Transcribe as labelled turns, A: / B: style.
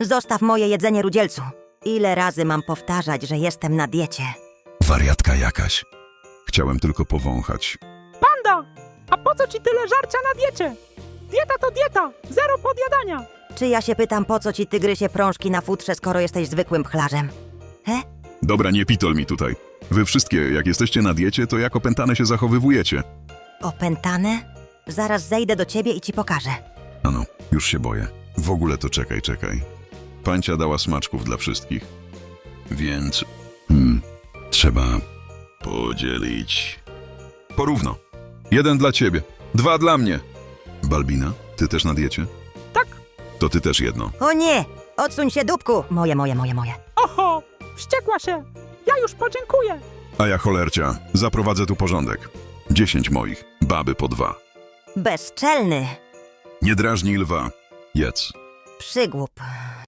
A: Zostaw moje jedzenie, rudzielcu. Ile razy mam powtarzać, że jestem na diecie?
B: Wariatka jakaś. Chciałem tylko powąchać.
C: Panda! A po co ci tyle żarcia na diecie? Dieta to dieta, zero podjadania.
A: Czy ja się pytam, po co ci tygrysie prążki na futrze, skoro jesteś zwykłym pchlarzem?
B: Dobra, nie pitol mi tutaj. Wy wszystkie, jak jesteście na diecie, to jak opętane się zachowywujecie.
A: Opętane? Zaraz zejdę do ciebie i ci pokażę.
B: Ano, już się boję. W ogóle to czekaj. Pancia dała smaczków dla wszystkich. Więc... trzeba podzielić. Porówno. 1 dla ciebie, 2 dla mnie. Balbina, ty też na diecie?
C: Tak.
B: To ty też jedno.
A: O nie! Odsuń się, dupku! Moje.
C: Oho, wściekła się. Ja już podziękuję.
B: A ja cholercia, zaprowadzę tu porządek. 10 moich, baby po 2.
A: Bezczelny!
B: Nie drażnij lwa. Jedz.
A: Przygłup.